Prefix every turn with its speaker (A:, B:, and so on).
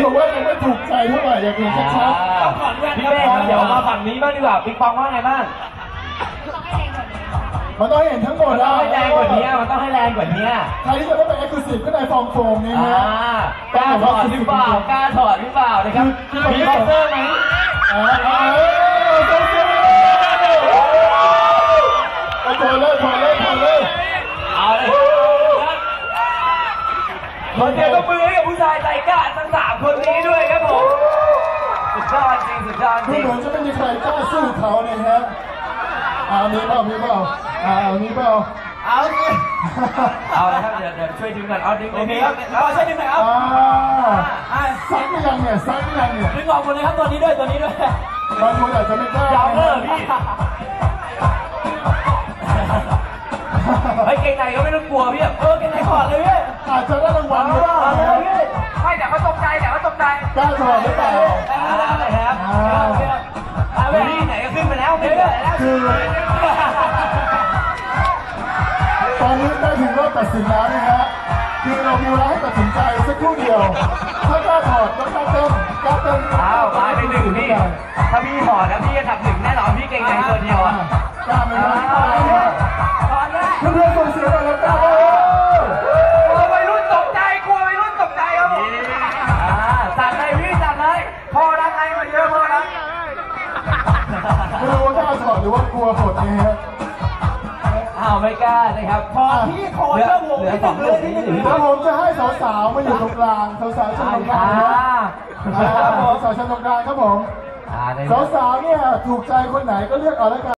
A: บอกว่ายังไม่ถูกใจเท่าไหร่อยากเห็นชัดๆ
B: พี่เป้ครับเดี๋ยวมาฝั่งนี้บ้างดีกว่าปิงปองว่าไงบ้าง
A: มันต้องเห็นทั้งหมด
B: มันต้องให้แรงกว่านี้มันต้องให้แรงกว่านี้
A: ใครที่จะไม่เป็นเอ็กซ์คลูซีฟก็ในฟองโฟมนี่ฮะ
B: กล้าถอดหรือเปล่ากล้าถอดหรือเปล่านะครับมีบ็อกเซอร์ไหม
A: ถอดเลย
B: เอาเลยคนเดียวก็มือให้กับผู้ชายใจกล้าทั้ง3คนนี้ด้วยครับผมสุดยอดจริงสุดยอดจริง
A: เหมือนจะไม่มีใครกล้าสู้เขาเลยฮะมีเปล่ามีเลย
B: ครับเดี๋ยวช่วยดึงกันเอาดึงโอเคครับช่วยดึงหน่อยครับ
A: ซักยังเนี่ย
B: ดึงออกหมดเลยครับตัวนี้ด้วย
A: บางคนอาจจะไม่กล้าย
B: าวพี่เฮ้ยเก่งไหนก็ไม่ต้องกลัวพี่เก่งไหนถอดเลยพี่
A: อาจจะได้รางวัลไม่ได้
B: ไม่แต่เขาตกใจกล้าถ
A: อดหรือเปล่า
B: ได้ครับนี่ไหนก็ขึ้นไปแล้วไม่ได้แล้ว
A: คือตอนนี้ได้ถึงรอบตัดสินแล้วนะฮะคือเรามีเวลาให้ตัดสินใจสักครู่เดียวถ้ากล้าถอดก็กล้าเติม
B: มาไป1พี่ถ้าพี่ถอดแล้วพี่จะทำ1แน่นอนพี่เก่งไหนตัวเดียว
A: กล้าไหมเพื่อนส่งเสียงหน่อยแล้วกล้า
B: วัยรุ่นตกใจกลัววัยรุ่นตกใจครับผมจัดเลยพี่จัดเลยพอรักไงมาเยอะพอรัก
A: ไม่รู้ว่ากล้าถอดหรือว่ากลัวหดนี่ฮะ
B: ไม่กล้านะครับพอพี่ขอเริ่มวงให้จบเลย
A: ผมจะให้สาวๆมาอยู่ตรงกลางสาวๆชั้นตรงกลางสาวๆชั้นตรงกลางครับผมสาวๆเนี่ยถูกใจคนไหนก็เลือกเอาแล้วกัน